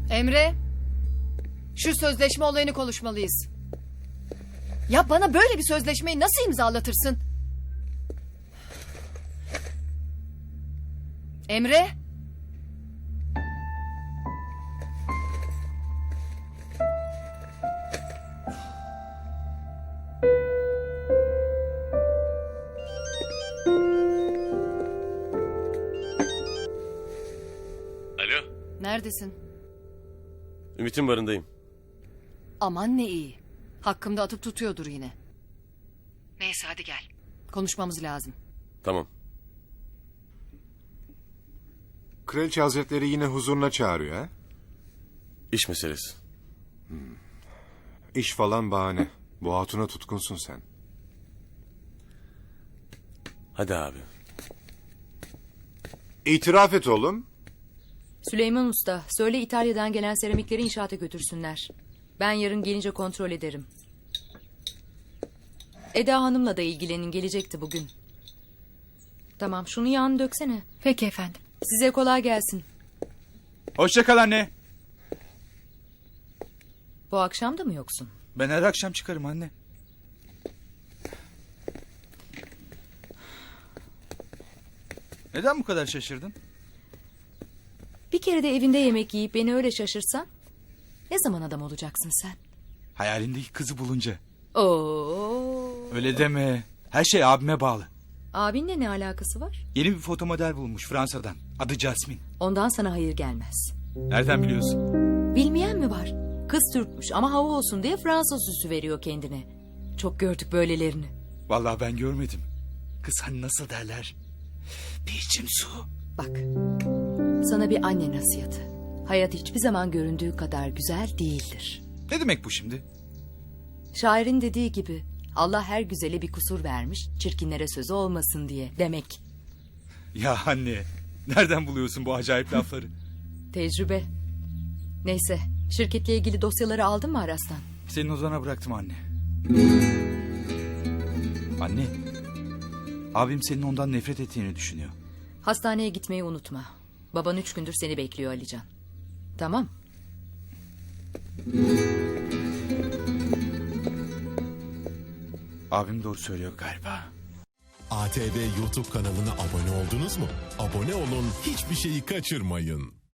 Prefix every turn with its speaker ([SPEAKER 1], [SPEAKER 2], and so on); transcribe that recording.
[SPEAKER 1] Emre, şu sözleşme olayını konuşmalıyız. Ya bana böyle bir sözleşmeyi nasıl imzalatırsın? Emre?
[SPEAKER 2] Alo.
[SPEAKER 1] Neredesin?
[SPEAKER 2] Ümit'in barındayım.
[SPEAKER 1] Aman ne iyi. Hakkımda atıp tutuyordur yine. Neyse hadi gel. Konuşmamız lazım.
[SPEAKER 2] Tamam.
[SPEAKER 3] Kraliçe Hazretleri yine huzuruna çağırıyor ha?
[SPEAKER 2] İş meselesi.
[SPEAKER 3] İş falan bahane. Bu hatuna tutkunsun sen.
[SPEAKER 2] Hadi abi.
[SPEAKER 3] İtiraf et oğlum.
[SPEAKER 4] Süleyman Usta, söyle İtalya'dan gelen seramikleri inşaata götürsünler. Ben yarın gelince kontrol ederim. Eda Hanım'la da ilgilenin, gelecekti bugün. Tamam, şunu yağını döksene.
[SPEAKER 1] Peki efendim.
[SPEAKER 4] Size kolay gelsin.
[SPEAKER 5] Hoşça kal anne.
[SPEAKER 4] Bu akşam da mı yoksun?
[SPEAKER 5] Ben her akşam çıkarım anne. Neden bu kadar şaşırdın?
[SPEAKER 4] Bir kere de evinde yemek yiyip beni öyle şaşırsan... ne zaman adam olacaksın sen?
[SPEAKER 5] Hayalindeki kızı bulunca.
[SPEAKER 4] Oo.
[SPEAKER 5] Öyle deme. Her şey abime bağlı.
[SPEAKER 4] Abinle ne alakası var?
[SPEAKER 5] Yeni bir fotomodel bulmuş Fransa'dan. Adı Jasmine.
[SPEAKER 4] Ondan sana hayır gelmez.
[SPEAKER 5] Nereden biliyorsun?
[SPEAKER 4] Bilmeyen mi var? Kız Türkmüş ama hava olsun diye Fransız süsü veriyor kendine. Çok gördük böylelerini.
[SPEAKER 5] Vallahi ben görmedim. Kız hani nasıl derler? Bir içim su.
[SPEAKER 4] Bak, sana bir anne nasihatı. Hayat hiçbir zaman göründüğü kadar güzel değildir.
[SPEAKER 5] Ne demek bu şimdi?
[SPEAKER 4] Şairin dediği gibi Allah her güzele bir kusur vermiş, çirkinlere sözü olmasın diye demek.
[SPEAKER 5] Ya anne, nereden buluyorsun bu acayip lafları?
[SPEAKER 4] Tecrübe. Neyse, şirketle ilgili dosyaları aldın mı Aras'tan?
[SPEAKER 5] Senin odana bıraktım anne. Anne, abim senin ondan nefret ettiğini düşünüyor.
[SPEAKER 4] Hastaneye gitmeyi unutma. Baban 3 gündür seni bekliyor Alican. Tamam.
[SPEAKER 5] Abim doğru söylüyor galiba.
[SPEAKER 6] ATV YouTube kanalına abone oldunuz mu? Abone olun, hiçbir şeyi kaçırmayın.